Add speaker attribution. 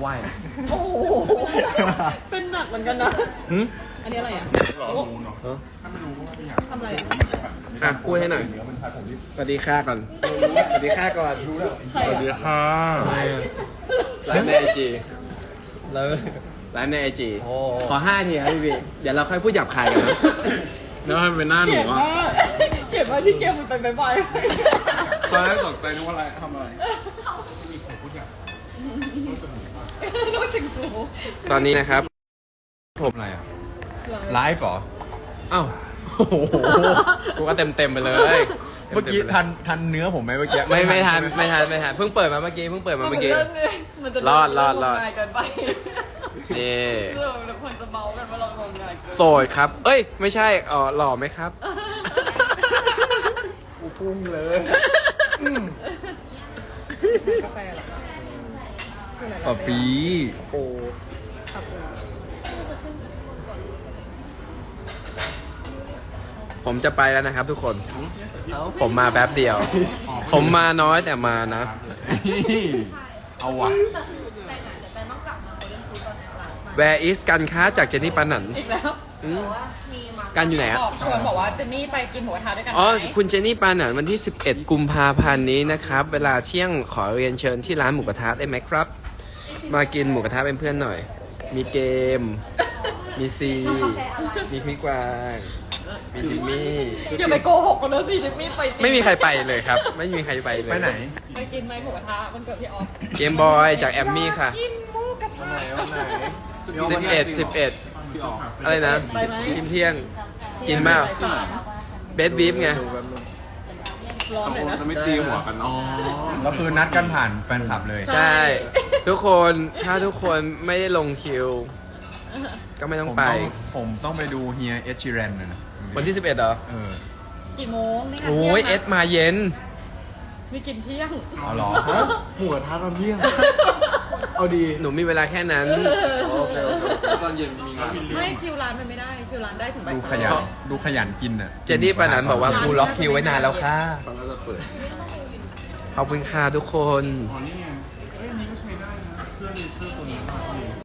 Speaker 1: ไหว้
Speaker 2: โอ้โหเป็นหนักเหมือนกันนะอันนี้อะไรอ่ะทำอะไรอ่ะ
Speaker 3: อ่ะพูดให้หน่อยสวัสดีค่ะก่อนสวัสดีค่ะก่อน
Speaker 2: สวัสดีค่ะ
Speaker 3: ไลฟ์ในไอจี
Speaker 1: แล้ว
Speaker 3: ไลฟ์ในไอจี
Speaker 1: โอ้
Speaker 3: ขอ5 ทีครับพี่เดี๋ยวเราค่อยพูดหยาบคายกันนะ
Speaker 4: แล้วมันเป็นหน้าหนู
Speaker 2: เขียน
Speaker 4: อ่ะ
Speaker 2: ว่าเขียนว่าที่เกมมันไปบ่อย
Speaker 4: ตอนแรกตกใจนึกว่าอะไรทำอะไร
Speaker 2: นอกจากกู
Speaker 3: ตอนนี้นะครับผม
Speaker 1: อะไรอ่ะไลฟ์เหรอ
Speaker 3: อ้าวโอ้โหกูก็เต็มไปเลย
Speaker 1: เมื่อกี้ทันเนื้อผมไหมเมื่อกี้
Speaker 3: ไม่ทัน
Speaker 1: ใช่ห
Speaker 3: ไม่ทันเพิ่งเปิดมาเมื่อกี้
Speaker 2: มันเป็นเรื่องไงมันจะ
Speaker 3: รอด
Speaker 2: ง่ายเกินไป
Speaker 3: นี่
Speaker 2: เรื่องเราควรจะเมากันว่าเรางมงายเกิน
Speaker 3: โสดครับ เอ้ยไม่ใช่หล่อไหมครับ
Speaker 1: กูพุ่งเลย
Speaker 2: กาแฟเหรอคืออะไร
Speaker 1: ปะปีโอ้
Speaker 3: ผมจะไปแล้วนะครับทุกคน ผมมาแป๊บเดียว ผมมาน้อยแต่มานะ
Speaker 1: เอาว่ะ
Speaker 3: Where is กันค้าจากเจนนี่ปานัน
Speaker 2: อีกแล้ว
Speaker 3: อืมกันอยู่ไหนอะ
Speaker 2: ชวนบอกว่าเจนนี่ไปกินหมูกระทะด้วยกันไหม
Speaker 3: อ๋อคุณเจนนี่ปานันวันที่ 11 กุมภาพันธ์นี้นะครับ เวลาเที่ยงขอเรียนเชิญที่ร้านหมูกระทะได้ไหมครับ มากินหมูกระทะเป็นเพื่อนหน่อย มีเกม มีซี มีพี่กวางมีจิมมี่
Speaker 2: อย่าไปโกหกกันนะสิเจนนี่ไปจริง
Speaker 3: ไม่มีใครไปเลยครับ ไม่มีใครไปเลย
Speaker 1: ไปไหน
Speaker 2: ไปกินไหมหมูกระทะมันเกิดพี่ออฟ
Speaker 3: เกมบอยจากแอมมี่ค่ะ
Speaker 2: กินหมูกระทะ
Speaker 3: 11 อะไรนะ
Speaker 2: ไปไหม
Speaker 3: กินเที่ยง กินเปล่า เบสบีฟไง
Speaker 2: ร้อนเลยนะ
Speaker 4: จะไม่ตีหัวกันเนาะ
Speaker 1: แล้วคือนัดกันผ่านแฟนคลับเลย
Speaker 3: ใช่ ทุกคนถ้าทุกคนไม่ได้ลงคิว ก็ไม่ต้องไป
Speaker 1: ผมต้องไปดูเฮียเอชิเรนนะ
Speaker 3: วันที่ 11เหรอ
Speaker 1: เออ
Speaker 2: กี่โมงนี่ไง
Speaker 3: โอ้ยเอ
Speaker 2: ที่
Speaker 3: ส
Speaker 2: งนะ
Speaker 3: มาเย็น
Speaker 2: นี่กินเที่ยง
Speaker 1: เอาเหรอ
Speaker 5: หมูกระทะตอนเที่ยง เอาดี
Speaker 3: หนูมีเวลาแค่นั้น
Speaker 5: โอเคโอเค
Speaker 4: ตอนเย็นมีงาน
Speaker 2: ไม่คิวร้านมันไม่ได้คิวร้านได้ถึงบ่าย
Speaker 1: ดู
Speaker 2: สาม
Speaker 1: ขยันดูขยันกินอ่ะ
Speaker 3: เจนนี่ปานันบอกว่ากูล็อกคิวไว้นานแล้วค่ะ
Speaker 4: ตอนนั้นจะเปิด
Speaker 3: ขอบคุณค่ะทุกคน
Speaker 4: อ๋อนี่ไงเอ้ยอันนี้ก็ใช้ได้นะ เสื้อนี้เสื้อตัวนี้